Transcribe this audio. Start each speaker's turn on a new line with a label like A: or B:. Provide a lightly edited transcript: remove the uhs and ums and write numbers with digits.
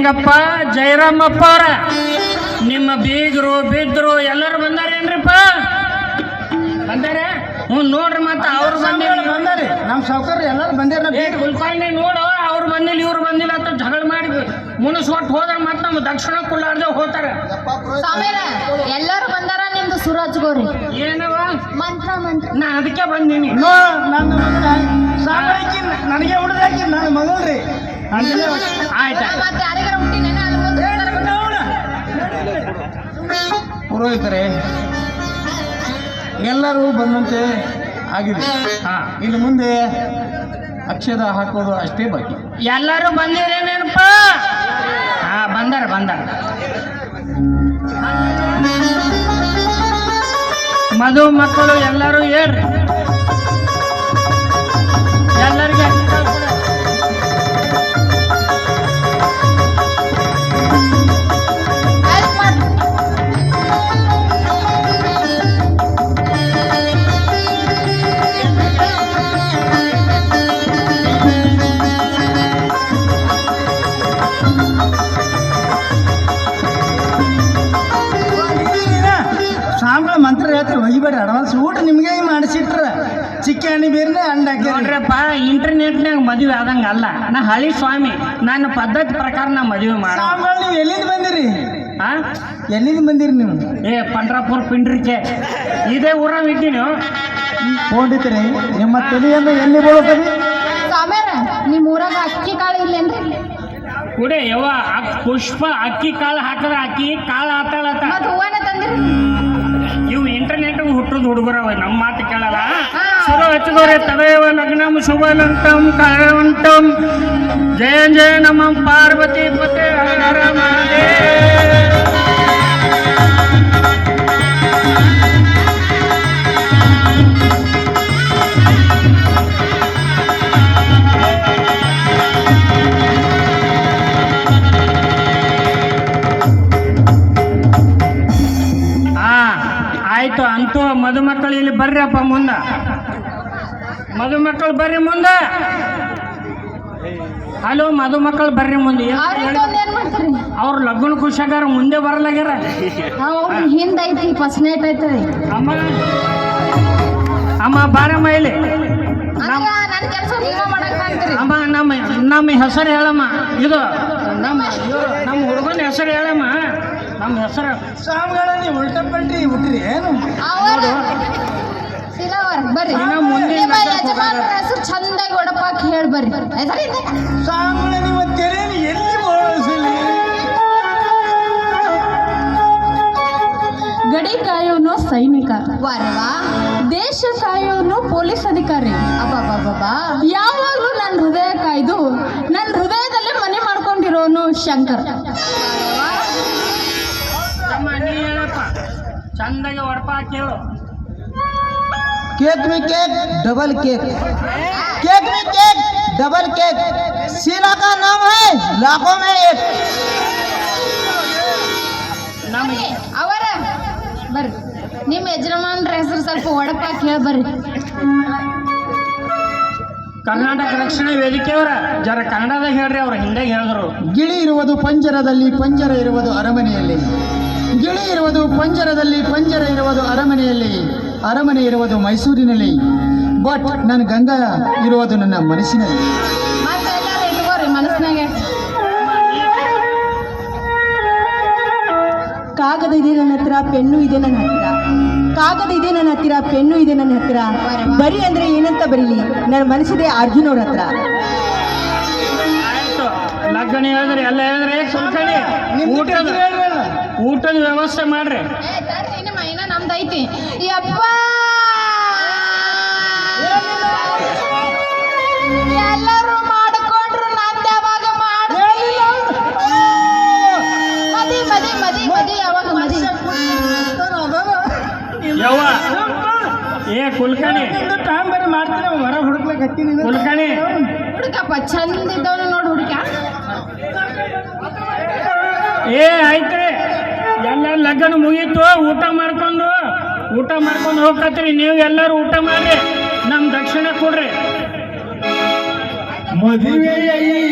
A: ಏನಪ್ಪ ಜಯರಾಮಪ್ಪ ಅವರ ನಿಮ್ಮ ಬೀಗರು ಬಿದ್ರು ಎಲ್ಲರೂ ಬಂದಾರೇನ್ರಿಪ್ಪ? ಬಂದಾರೆ? ಹ್ಞೂ ನೋಡ್ರಿ, ಮತ್ತೆ ಅವ್ರು
B: ಬಂದಾರಿ. ನಮ್ಮ ಸಾವುಕಾರ ಎಲ್ಲರೂ ಬಂದಾರ.
A: ಕುಲ್ಕರ್ಣಿ ನೋಡು, ಅವ್ರು ಬಂದಿಲ್ಲ ಇವ್ರು ಬಂದಿಲ್ಲ ಅಂತ ಜಗಳ ಮಾಡಿ ಮುನಿಸ್ಕೊಟ್ಟು ಹೋದ್ರೆ ಮತ್ತೆ ನಮ್ಮ ದಕ್ಷಿಣ ಕುಲ್ಲಾರ್ದೆ ಹೋಗ್ತಾರೆ.
C: ಎಲ್ಲರೂ ಬಂದಾರ. ನಿಮ್ದು ಸುರಾಜ್ ಗೋರಿ
A: ಏನವ
C: ಮಂತ್ರ ಮಂತ್ರ.
A: ನಾ ಅದಕ್ಕೆ ಬಂದೀನಿ.
B: ನನಗೆ ಉಳಿದಾಕಿ ನನ್ನ ಮಗಳ್ರಿ.
A: ಆಯ್ತಾ
C: ಮತ್ತೆ ಯಾರಿಗಾರ ಹುಟ್ಟಿನೇನ
B: ಪುರೋಹಿತರೆ ಎಲ್ಲರೂ ಬಂದಂತೆ ಆಗಿದೆ. ಇನ್ನು ಮುಂದೆ ಅಕ್ಷದ ಹಾಕೋದು ಅಷ್ಟೇ ಬಾಕಿ.
A: ಎಲ್ಲರೂ ಬಂದಿರೇನೇನಪ್ಪ? ಬಂದಾರ ಬಂದಾರ. ಮಧು ಮಕ್ಕಳು ಎಲ್ಲರೂ ಹೇಳ್ರಿ. ಎಲ್ಲರಿಗೆ
B: ಮಂತ್ರ ಹೇಳ್ತಾರೆ, ಒಯ್ಬೇಡ ಅಡ್ವಾನ್ಸ್. ಊಟ ನಿಮ್ಗೆ ಮಾಡಿಸಿಟ್ರ ಚಿಕ್ಕಣ್ಣಿ ಬೇರೆ ಅಂಡ
A: ನೋಡ್ರಪ್ಪ, ಇಂಟರ್ನೆಟ್ನಾಗ ಮದುವೆ ಆದಂಗ ಅಲ್ಲ. ನಾ ಹಳಿ ಸ್ವಾಮಿ, ನನ್ನ ಪದ್ಧತಿ ಪ್ರಕಾರ ನಾ ಮದುವೆ ಮಾಡ.
B: ನೀವು ಎಲ್ಲಿಂದ ಬಂದಿರಿ?
A: ಎಲ್ಲಿಂದ
B: ಬಂದಿರಿ ನೀವು?
A: ಪಂಡ್ರಾಪುರ ಪಿಂಡ್ರಿಕೆ ಇದೇ ಊರಾಗ ಇದ್ದೀನಿ.
B: ಹೋಗಿದ್ರಿ ನಿಮ್ಮ ತಲೆಯನ್ನು ಎಲ್ಲಿ ಬೀಳುತ್ತದೆ?
C: ಸ್ವಾಮ್ಯಾರ ನಿಮ್ ಊರಾಗ ಅಕ್ಕಿ ಕಾಳು ಇಲ್ಲೇನ್ರಿ?
A: ಕುಡೆ ಯವ್ವ, ಪುಷ್ಪ ಅಕ್ಕಿ ಕಾಳು ಹಾಕಿದ್ರೆ ಅಕ್ಕಿ ಕಾಳು ಆತಾಳತ್ತ.
C: ಮತ್ ಹೂವನ ತಂದ್ರಿ?
A: ಇವು ಇಂಟರ್ನೆಟ್ ಹುಟ್ಟದ ಹುಡುಗರವ, ನಮ್ಮ ಮಾತು ಕೇಳಲ್ಲ. ಶುರು ಹಚ್ಚಿದವ್ರೆ ತದೇವ ಲಗ್ನಂ ಶುಭಲಂತಂ ಕಾಯವಂತಂ ಜಯ ಜಯ ನಮ ಪಾರ್ವತಿ ಪತೆ ಹರ ಮಹಾದೇವ. ಆಯ್ತು ಅಂತೂ ಮದುಮಕ್ಕಳು ಇಲ್ಲಿ ಬರ್ರಿಯಪ್ಪ ಮುಂದ. ಮದುಮಕ್ಕಳು ಬರ್ರಿ ಮುಂದ. ಹಲೋ ಮದುಮಕ್ಕಳು ಬರ್ರಿ ಮುಂದೆ. ಅವ್ರ ಲಗ್ನ ಖುಷಿಯಾಗಾರ ಮುಂದೆ ಬರಲಾಗ್ಯಾರ.
C: ಹಿಂದೈತಿ ಫಸ್ಟ್ ನೈಟ್ ಐತದೆ.
A: ಅಮ್ಮ ಅಮ್ಮ ಬಾರಮ್ಮ ಇಲ್ಲಿ. ಅಮ್ಮ ನಮ್ಮ ಹೆಸರು ಹೇಳಮ್ಮ. ಇದು ನಮ್ಮ ಹುಡುಗನ ಹೆಸರು ಹೇಳಮ್ಮ. ನಮ್ಮ ಹೆಸರು
B: ಸ್ವಾಮಿಗಳ ನೀವು ಉಲ್ಟಾ ಪಲ್ಟಿ ಹುಟ್ಟ್ರಿ ಏನು?
C: ಬರ್ರಿ ಹೆಸರು ಚಂದಾಗಿ ಒಡಪಾಕ್ ಹೇಳಿ ಬರ್ರಿ.
B: ಸ್ವಾಮಿಗಳ ನಿಮ್ಮ ತೆರೆಯನ್ನು ಎಲ್ಲಿ ಬೋಳಿಸಲಿ?
D: ಗಡಿ ಕಾಯೋನು ಸೈನಿಕ,
C: ವಾರವಾ
D: ದೇಶ ಕಾಯೋನು ಪೊಲೀಸ್ ಅಧಿಕಾರಿ.
C: ಅಬ್ಬಬ್ಬಬ್ಬಾ,
D: ಯಾವಾಗ್ಲೂ ನನ್ನ ಹೃದಯ ಕಾಯ್ದು ನನ್ನ ಹೃದಯದಲ್ಲೇ ಮನೆ ಮಾಡ್ಕೊಂಡಿರೋನು ಶಂಕರ್.
A: ನೀ ಹೇಳಪ್ಪ, ಚಂದಾಗಿ ಒಡಪ ಕೇಳು.
B: केक में केक डबल केक, केक में केक डबल केक, शीला का नाम है लाखों में एक.
C: ಅವರ ಬರ್ರಿ, ನಿಮ್ಮ ಯಜಮಾನ್ರ ಹೆಸರು ಸ್ವಲ್ಪ ಒಡಪಾಕ್ ಹೇಳಿ ಬರ್ರಿ.
A: ಕರ್ನಾಟಕ ರಕ್ಷಣಾ ವೇದಿಕೆಯವರ ಜರ ಕನ್ನಡದಾಗ ಹೇಳ್ರಿ, ಅವ್ರು ಹಿಂದೆ ಹೇಳಿದ್ರು.
B: ಗಿಳಿ ಇರುವುದು ಪಂಜರದಲ್ಲಿ, ಪಂಜರ ಇರುವುದು ಅರಮನೆಯಲ್ಲಿ. ಗಿಳಿ ಇರುವುದು ಪಂಜರದಲ್ಲಿ, ಪಂಜರ ಇರುವುದು ಅರಮನೆಯಲ್ಲಿ. ಅರಮನೆ ಇರುವುದು ಮೈಸೂರಿನಲ್ಲಿ, ಬಟ್ ನನ್ನ ಗಂಗಾ ಇರುವುದು ನನ್ನ ಮನಸ್ಸಿನಲ್ಲಿ.
C: ಮತ್ತೆ ಎಲ್ಲಾರು ಇಟ್ಕೋರಿ ಮನಸ್ಸಿನಾಗೆ.
D: ಕಾಗದ ಇದೆ ನನ್ನ ಹತ್ರ, ಪೆನ್ನು ಇದೆ ನನ್ನ ಹತ್ರ. ಕಾಗದ ಇದೆ ನನ್ನ ಹತ್ತಿರ, ಪೆನ್ನು ಇದೆ ನನ್ನ ಹತ್ತಿರ. ಬರಿ ಅಂದ್ರೆ ಏನಂತ ಬರೀಲಿ, ನನ್ನ ಮನಸ್ಸಿದೆ ಅರ್ಜುನ್ ಅವ್ರ ಹತ್ರ.
A: ಆಯ್ತು, ಲಗ್ನ ಹೇಳಿದ್ರಿ, ಎಲ್ಲ ಹೇಳಿದ್ರಿ. ಕುಲ್ಕರ್ಣಿ ಊಟದ ವ್ಯವಸ್ಥೆ ಮಾಡ್ರಿ.
C: ಮೈನ ನಮ್ದೈತಿ. ಯಪ್ಪ ಎಲ್ಲರೂ ಮಾಡಿಕೊಂಡ್ರು, ನಂದು ಯಾವಾಗ ಮಾಡ್ತೀನಿ? ಮದಿ ಮದಿ ಮದಿ ಮದಿ ಯಾವಾಗ ಮದಿ?
A: ಯವ್ವ ಕುಲ್ಕರ್ಣಿ
B: ಮಾಡ್ತೀನಿ, ಹೊರ ಹುಡುಕ್ಲಕತ್ತೀನಿ.
A: ಕುಲ್ಕರ್ಣಿ
C: ಹುಡುಕಪ್ಪ, ಚಂದ ಇದ್ದವನು ನೋಡಿ ಹುಡುಕ.
A: ಆಯ್ತ್ರಿ, ಎಲ್ಲ ಲಗ್ನ ಮುಗೀತು. ಊಟ ಮಾಡ್ಕೊಂಡು ಹೋಗ್ಕತ್ರಿ. ನೀವು ಎಲ್ಲರೂ ಊಟ ಮಾಡ್ರಿ, ನಮ್ಮ ದಕ್ಷಿಣ ಕೊಡ್ರಿ.
B: ಮದುವೆಯ